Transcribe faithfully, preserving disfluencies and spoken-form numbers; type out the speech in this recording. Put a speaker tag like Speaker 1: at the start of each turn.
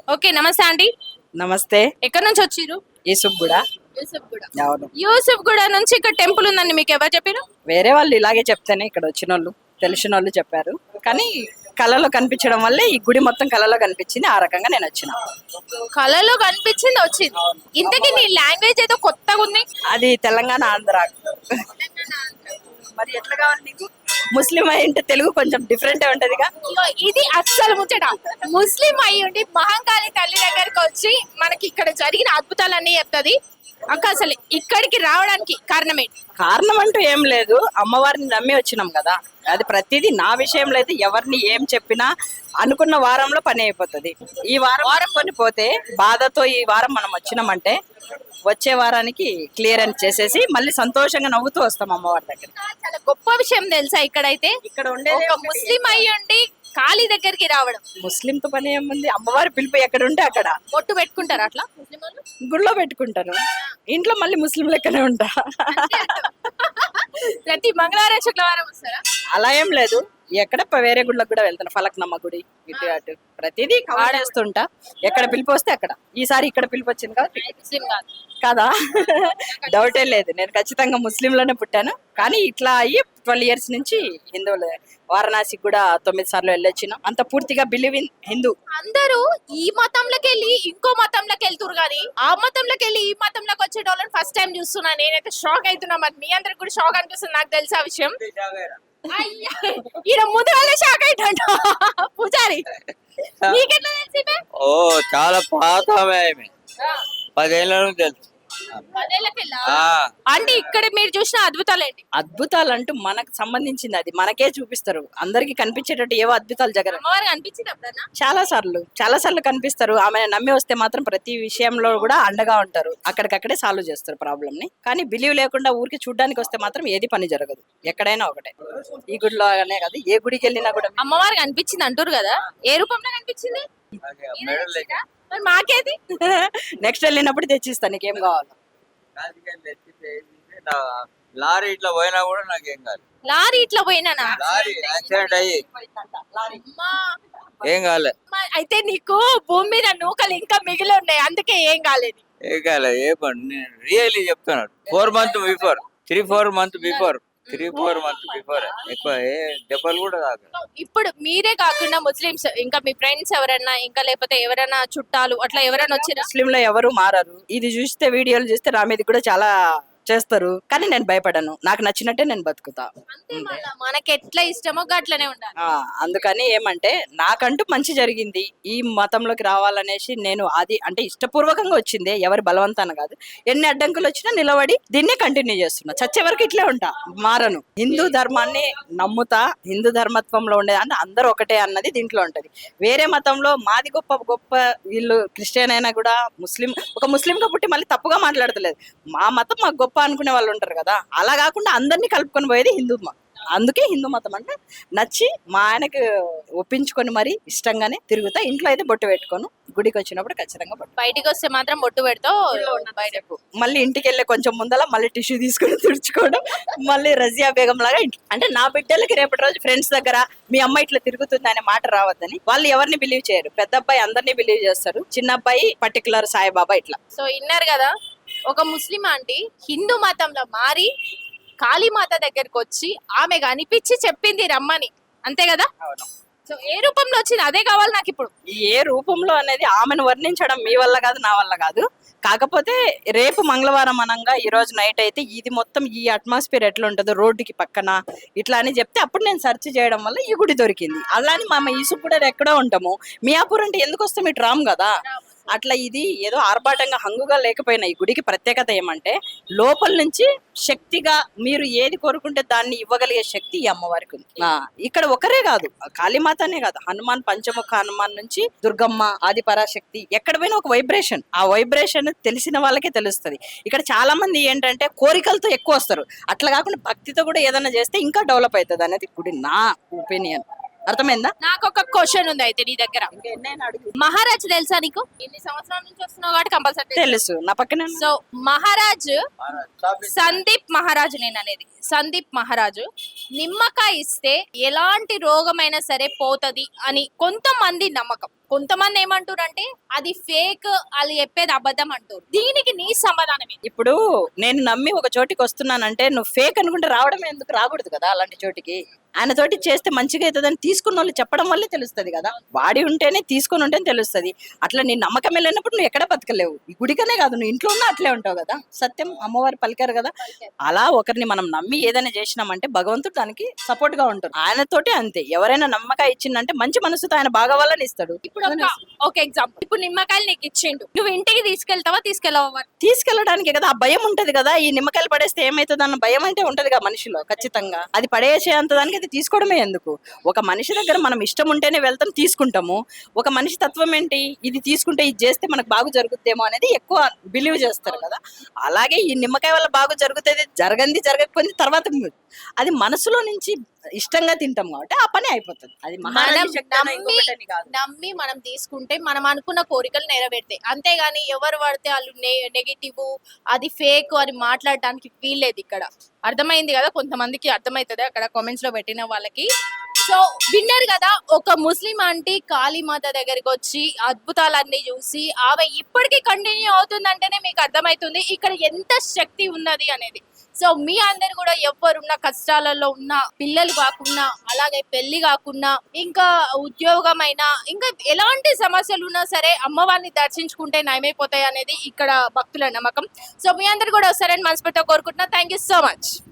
Speaker 1: Okay, నమస్తే aunty.
Speaker 2: నమస్తే.
Speaker 1: ఎక్కడి నుంచి వచ్చిర్రు?
Speaker 2: యూసుఫ్ కూడా.
Speaker 1: యూసఫ్ గూడ.
Speaker 2: అవును.
Speaker 1: యూసఫ్ గూడ నుంచి ఇక్కడ టెంపుల్ ఉందండి, మీకు ఎవరు చెప్పారు?
Speaker 2: వేరే వాళ్ళు ఇలాగే చెప్తేనే ఇక్కడ వచ్చిన వాళ్ళు తెలిసిన వాళ్ళు చెప్పారు. కానీ కళలో కనిపించడం వల్లే ఈ గుడి మొత్తం కళలో కనిపించింది. ఆ రకంగా నేను వచ్చిన.
Speaker 1: కళలో కనిపించింది వచ్చింది. ఇంతకీ నీ లాంగ్వేజ్ ఏదో కొత్తగా ఉంది.
Speaker 2: అది తెలంగాణ ఆంధ్ర. మరి ఎట్లా కావాలి నీకు? ముస్లిం అయింటే తెలుగు కొంచెం డిఫరెంట్ ఉంటదిగా.
Speaker 1: ఇగో ఇది అస్సలు ముచ్చట. ముస్లిం అయ్యి ఉండి మహంకాళి తల్లి దగ్గరకు వచ్చి మనకి ఇక్కడ జరిగిన అద్భుతాలన్నీ చెప్తుంది. అక్క అసలు ఇక్కడికి రావడానికి కారణం ఏంటి?
Speaker 2: కారణం అంటూ ఏం లేదు, అమ్మవారిని నమ్మి వచ్చినాం కదా. అది ప్రతిదీ నా విషయంలో అయితే ఎవరిని ఏం చెప్పినా అనుకున్న వారంలో పని అయిపోతుంది. ఈ వారం వారం పని పోతే బాధతో ఈ వారం మనం వచ్చినామంటే వచ్చే వారానికి క్లియర్ అని చేసేసి మళ్ళీ సంతోషంగా నవ్వుతూ వస్తాం అమ్మవారి దగ్గర.
Speaker 1: చాలా గొప్ప విషయం తెలుసా, ఇక్కడైతే
Speaker 2: ఇక్కడ ఉండే
Speaker 1: ఒక ముస్లిం అయ్యి ఉండి కాళీ దగ్గరికి రావడం.
Speaker 2: ముస్లింతో పని ఏముంది, అమ్మవారి పిలుపు ఎక్కడ ఉంటే అక్కడ
Speaker 1: బొట్టు పెట్టుకుంటారు అట్లా ముస్లిం వాళ్ళు.
Speaker 2: గుళ్ళో పెట్టుకుంటాను, ఇంట్లో మళ్ళీ ముస్లిం లెక్కనే ఉంటా.
Speaker 1: ప్రతి మంగళవారం శుక్రవారం వస్తారా?
Speaker 2: అలా ఏం లేదు, ఎక్కడ ప- వేరే గుళ్ళకి కూడా వెళ్తాను. ఫలక్నమ్మ గుడి ఇటు అటు ప్రతిదీ ఆడేస్తుంటా. ఎక్కడ పిలిపి వస్తే అక్కడ. ఈసారి ఇక్కడ పిలిపి వచ్చింది కాబట్టి
Speaker 1: ముస్లిం కాదు
Speaker 2: కదా. డౌటే లేదు, నేను ఖచ్చితంగా ముస్లింలోనే పుట్టాను. కానీ ఇట్లా అయ్యి ట్వెల్వ్ ఇయర్స్ నుంచి హిందువులు. వారణాసికి కూడా తొమ్మిది సార్లు వెళ్ళొచ్చినాం. అంత పూర్తిగా బిలీవ్ ఇన్ హిందూ.
Speaker 1: అందరూ ఈ మతంలోకి వెళ్ళి ఇంకో మతంలోకి వెళ్తురు కానీ ఆ మతంలోకి వెళ్ళి ఈ మతంలోకి వచ్చే వాళ్ళని ఫస్ట్ టైం చూస్తున్నా. నేనైతే షాక్ అవుతున్నా. మరి మీ అందరికి కూడా షాక్ అనిపిస్తుంది, నాకు తెలిసే విషయం. అయ్యా, ఈయన ముందు వాళ్ళే షాక్ అయిట పూజారి. నీకెట్లా తెలిసి బే?
Speaker 3: ఓ చాలా పాత ఆమె.
Speaker 1: ఆ,
Speaker 3: పదేళ్ళ నుంచి తెలుసు.
Speaker 1: పదేళ్ళకెళ్ళా?
Speaker 3: ఆ,
Speaker 1: అంటే ఇక్కడ మీరు చూసిన అద్భుతాలు ఏంటి?
Speaker 2: అద్భుతాలు అంటూ మనకు సంబంధించింది, అది మనకే చూపిస్తారు. అందరికి కనిపించేటట్టు ఏవో అద్భుతాలు జగన్
Speaker 1: అమ్మవారికి అనిపించింది అప్పుడన్నా?
Speaker 2: చాలా సార్లు చాలా సార్లు కనిపిస్తారు. ఆమె నమ్మి వస్తే మాత్రం ప్రతి విషయంలో కూడా అండగా ఉంటారు. అక్కడికక్కడే సాల్వ్ చేస్తారు ప్రాబ్లమ్ ని. కానీ బిలీవ్ లేకుండా ఊరికి చూడడానికి వస్తే మాత్రం ఏది పని జరగదు. ఎక్కడైనా ఒకటే, ఈ గుడిలో అనే కాదు, ఏ గుడికి వెళ్ళినా కూడా.
Speaker 1: అమ్మవారికి అనిపించింది అంటారు కదా, ఏ రూపంలో కనిపించింది?
Speaker 3: అదే మెడల్ లెక్క.
Speaker 1: మరి మాకేది?
Speaker 2: నెక్స్ట్ వెళ్ళినప్పుడు తెచ్చిస్తాను, నీకేం కావాలి.
Speaker 3: రాజకీయాలు తెచ్చితే ఏంటంటే నా లారీ ఇట్లా పోయినా కూడా నాకేం కాదు.
Speaker 1: లారీ ఇట్లా పోయినానా?
Speaker 3: లారీ యాక్సిడెంట్ అయ్యి
Speaker 1: అమ్మా,
Speaker 3: ఏం కాలే.
Speaker 1: అమ్మా, అయితే నీకు భూమి మీద నూకలు ఇంకా మిగిలి ఉన్నాయి, అందుకే ఏం కాలేదు.
Speaker 3: ఏం కాలే. ఏ పని నేను రియల్లీ చెప్తున్నాను. Four month before three four month before three four month before ఎక్కువ ఏ దెబ్బలు కూడా కాదు.
Speaker 1: ఇప్పుడు మీరే కాకుండా ముస్లిమ్స్ ఇంకా మీ ఫ్రెండ్స్ ఎవరైనా ఇంకా లేకపోతే ఎవరైనా చుట్టాలు అట్లా ఎవరైనా వచ్చిరా?
Speaker 2: ముస్లింలో ఎవరు మారరు. ఇది చూస్తే వీడియోలు చూస్తే నా మీద కూడా చాలా చేస్తారు. కానీ నేను భయపడను, నాకు నచ్చినట్టే నేను బతుకుతా.
Speaker 1: అంతే, మళ్ళా మనకి ఎట్లా ఇష్టమో అట్లనే ఉండాలి.
Speaker 2: ఆ అందుకని ఏమంటే నాకంటూ మంచి జరిగింది. ఈ మతంలోకి రావాలనేసి నేను అది అంటే ఇష్టపూర్వకంగా వచ్చింది, ఎవరి బలవంతాన కాదు. ఎన్ని అడ్డంకులు వచ్చినా నిలబడి దీన్నే కంటిన్యూ చేస్తున్నా. చచ్చే వరకు ఇట్లే ఉంటా, మారను. హిందూ ధర్మాన్ని నమ్ముతా. హిందూ ధర్మత్వంలో ఉండేది అంటే అందరూ ఒకటే అన్నది దీంట్లో ఉంటది. వేరే మతంలో మాది గొప్ప గొప్ప, వీళ్ళు క్రిస్టియన్ అయినా కూడా ముస్లిం, ఒక ముస్లింగా పుట్టి మళ్ళీ తప్పుగా మాట్లాడతలేదు. మా మతం మాకు గొప్ప అనుకునే వాళ్ళు ఉంటారు కదా, అలా కాకుండా అందరినీ కలుపుకొని పోయేది హిందూ మతం. అందుకే హిందూ మతం అంటే నచ్చి మా ఆయనకు ఒప్పించుకొని మరి ఇష్టంగానే తిరుగుతా. ఇంట్లో అయితే బొట్టు పెట్టుకోను, గుడికి వచ్చినప్పుడు ఖచ్చితంగా బొట్టు.
Speaker 1: బయటికి వస్తే మాత్రం బొట్టు పెడతావు.
Speaker 2: బయటకు మళ్ళీ ఇంటికి వెళ్ళే కొంచెం ముందల మళ్ళీ టిష్యూ తీసుకొని తుడుచుకోవడం, మళ్ళీ రజియా బేగం లాగా ఇంటి- అంటే నా బిడ్డలకి రేపటి రోజు ఫ్రెండ్స్ దగ్గర మీ అమ్మ ఇట్లా తిరుగుతుంది అనే మాట రావద్దని. వాళ్ళు ఎవరిని బిలీవ్ చేయరు. పెద్ద అబ్బాయి అందరినీ బిలీవ్ చేస్తారు, చిన్న అబ్బాయి పర్టికులర్ సాయిబాబా ఇట్లా.
Speaker 1: సో విన్నారు కదా, ఒక ముస్లిం ఆంటీ హిందూ మతంలో మారి కాళీమాత దగ్గరకు వచ్చి ఆమె అనిపించి చెప్పింది రమ్మని, అంతే కదా? సో ఏ రూపంలో వచ్చింది అదే కావాలి నాకు ఇప్పుడు.
Speaker 2: ఏ రూపంలో అనేది ఆమెను వర్ణించడం మీ వల్ల కాదు, నా వల్ల కాదు. కాకపోతే రేపు మంగళవారం అనంగా ఈ రోజు నైట్ అయితే ఇది మొత్తం ఈ అట్మాస్ఫియర్ ఎట్లా ఉంటుందో రోడ్డుకి పక్కన ఇట్లా అని చెప్తే అప్పుడు నేను సెర్చ్ చేయడం వల్ల ఈ గుడి దొరికింది. అలానే మా ఈసు కూడా ఎక్కడో ఉంటాము. మియాపూర్ అంటే ఎందుకు వస్తాం, ఇటు రాము కదా. అట్లా ఇది ఏదో ఆర్భాటంగా హంగుగా లేకపోయినా ఈ గుడికి ప్రత్యేకత ఏమంటే లోపల నుంచి శక్తిగా మీరు ఏది కోరుకుంటే దాన్ని ఇవ్వగలిగే శక్తి ఈ అమ్మవారికి ఉంది. ఆ, ఇక్కడ ఒకరే కాదు, కాళీమాతనే కాదు, హనుమాన్, పంచముఖ హనుమాన్ నుంచి దుర్గమ్మ, ఆది పరాశక్తి, ఎక్కడ పోయినా ఒక వైబ్రేషన్. ఆ వైబ్రేషన్ తెలిసిన వాళ్ళకే తెలుస్తుంది. ఇక్కడ చాలా మంది ఏంటంటే కోరికలతో ఎక్కువ వస్తారు, అట్లా కాకుండా భక్తితో కూడా ఏదైనా చేస్తే ఇంకా డెవలప్ అవుతుంది అనేది గుడి, నా ఒపీనియన్. అర్థమైందా?
Speaker 1: నాకు ఒక క్వశ్చన్ ఉంది అయితే నీ దగ్గర. మహారాజ్ తెలుసా నీకు? ఎన్ని సంవత్సరాల నుంచి వస్తున్నావు కాబట్టి కంపల్సరీ
Speaker 2: తెలుసు, నా పక్కన.
Speaker 1: సో మహారాజ్ సందీప్ మహారాజు, నేను అనేది సందీప్ మహారాజు నిమ్మకాయ ఇస్తే ఎలాంటి రోగమైనా సరే పోతది అని కొంతమంది నమ్మకం. కొంతమంది ఏమంటారంటే అది ఫేక్, అది చెప్పేది అబద్ధం అంటారు. దీనికి నీ సమాధానం ఏంటి?
Speaker 2: ఇప్పుడు నేను నమ్మి ఒక చోటికి వస్తున్నానంటే నువ్వు ఫేక్ అనుకుంటే రావడం ఎందుకు, రాకూడదు కదా అలాంటి చోటికి. ఆయన తోటి చేస్తే మంచిగా అవుతుందని తీసుకున్న వాళ్ళు చెప్పడం వల్లే తెలుస్తుంది కదా. వాడి ఉంటేనే తీసుకొని ఉంటేనే తెలుస్తుంది. అట్లా నీ నమ్మకం వెళ్ళినప్పుడు నువ్వు ఎక్కడ బతకలేవు. ఈ గుడికనే కాదు, నువ్వు ఇంట్లో ఉన్నా అట్లే ఉంటావు కదా. సత్యం అమ్మవారు పలికారు కదా. అలా ఒకరిని మనం నమ్మి ఏదైనా చేసినామంటే భగవంతుడు దానికి సపోర్ట్ గా ఉంటాడు. ఆయనతోటి అంతే. ఎవరైనా నమ్మకాయ ఇచ్చిందంటే మంచి మనసుతో ఆయన బాగా వాళ్ళని ఇస్తాడు.
Speaker 1: ఇప్పుడు ఒక ఒక ఎగ్జాంపుల్, ఇప్పుడు నిమ్మకాయలు నీకు ఇచ్చిండు, నువ్వు ఇంటికి తీసుకెళ్తావా తీసుకెళ్ళవా?
Speaker 2: తీసుకెళ్ళడానికి కదా ఆ భయం ఉంటది కదా. ఈ నిమ్మకాయలు పడేస్తే ఏమైతుంది అన్న భయం అంటే ఉంటది కదా మనిషిలో ఖచ్చితంగా. అది పడేసే అంత దానికి అది తీసుకోవడమే ఎందుకు. ఒక మనిషి దగ్గర మనం ఇష్టం ఉంటేనే వెళ్తాం, తీసుకుంటాము. ఒక మనిషి తత్వం ఏంటి, ఇది తీసుకుంటే ఇది చేస్తే మనకు బాగు జరుగుతుందేమో అనేది ఎక్కువ బిలీవ్ చేస్తారు కదా. అలాగే ఈ నిమ్మకాయ వల్ల బాగు జరుగుతుంది, జరగంది జరగకపోయింది తర్వాత అది మనసులో నుంచి ఇష్టంగా తింటాం కాబట్టి ఆ పని అయిపోతుంది. అది
Speaker 1: మనం
Speaker 2: మహారాజు శక్తి అన్న
Speaker 1: నమ్మి
Speaker 2: ఇంకొకటని కాదు.
Speaker 1: నమ్మి మనం తీసుకుంటే మనం అనుకున్న కోరికలు నెరవేరుతాయి. అంతేగాని ఎవరు పడితే వాళ్ళు నెగిటివ్, అది ఫేక్ అని మాట్లాడడానికి వీల్లేదు ఇక్కడ. అర్థమైంది కదా, కొంతమందికి అర్థమవుతుంది అక్కడ కామెంట్స్ లో పెట్టిన వాళ్ళకి. సో విన్నారు కదా, ఒక ముస్లిం ఆంటీ కాళీమాత దగ్గరికి వచ్చి అద్భుతాలన్నీ చూసి ఆమె ఇప్పటికీ కంటిన్యూ అవుతుందంటేనే మీకు అర్థమవుతుంది ఇక్కడ ఎంత శక్తి ఉన్నది అనేది. సో మీ అందరు కూడా ఎవరున్న కష్టాలలో ఉన్న, పిల్లలు కాకుండా, అలాగే పెళ్లి కాకుండా, ఇంకా ఉద్యోగమైనా, ఇంకా ఎలాంటి సమస్యలు ఉన్నా సరే అమ్మవారిని దర్శించుకుంటే నయమైపోతాయి అనేది ఇక్కడ భక్తుల నమ్మకం. సో మీ అందరు కూడా వస్తారని మనస్ఫూర్తిగా కోరుకుంటున్నా. Thank you so much.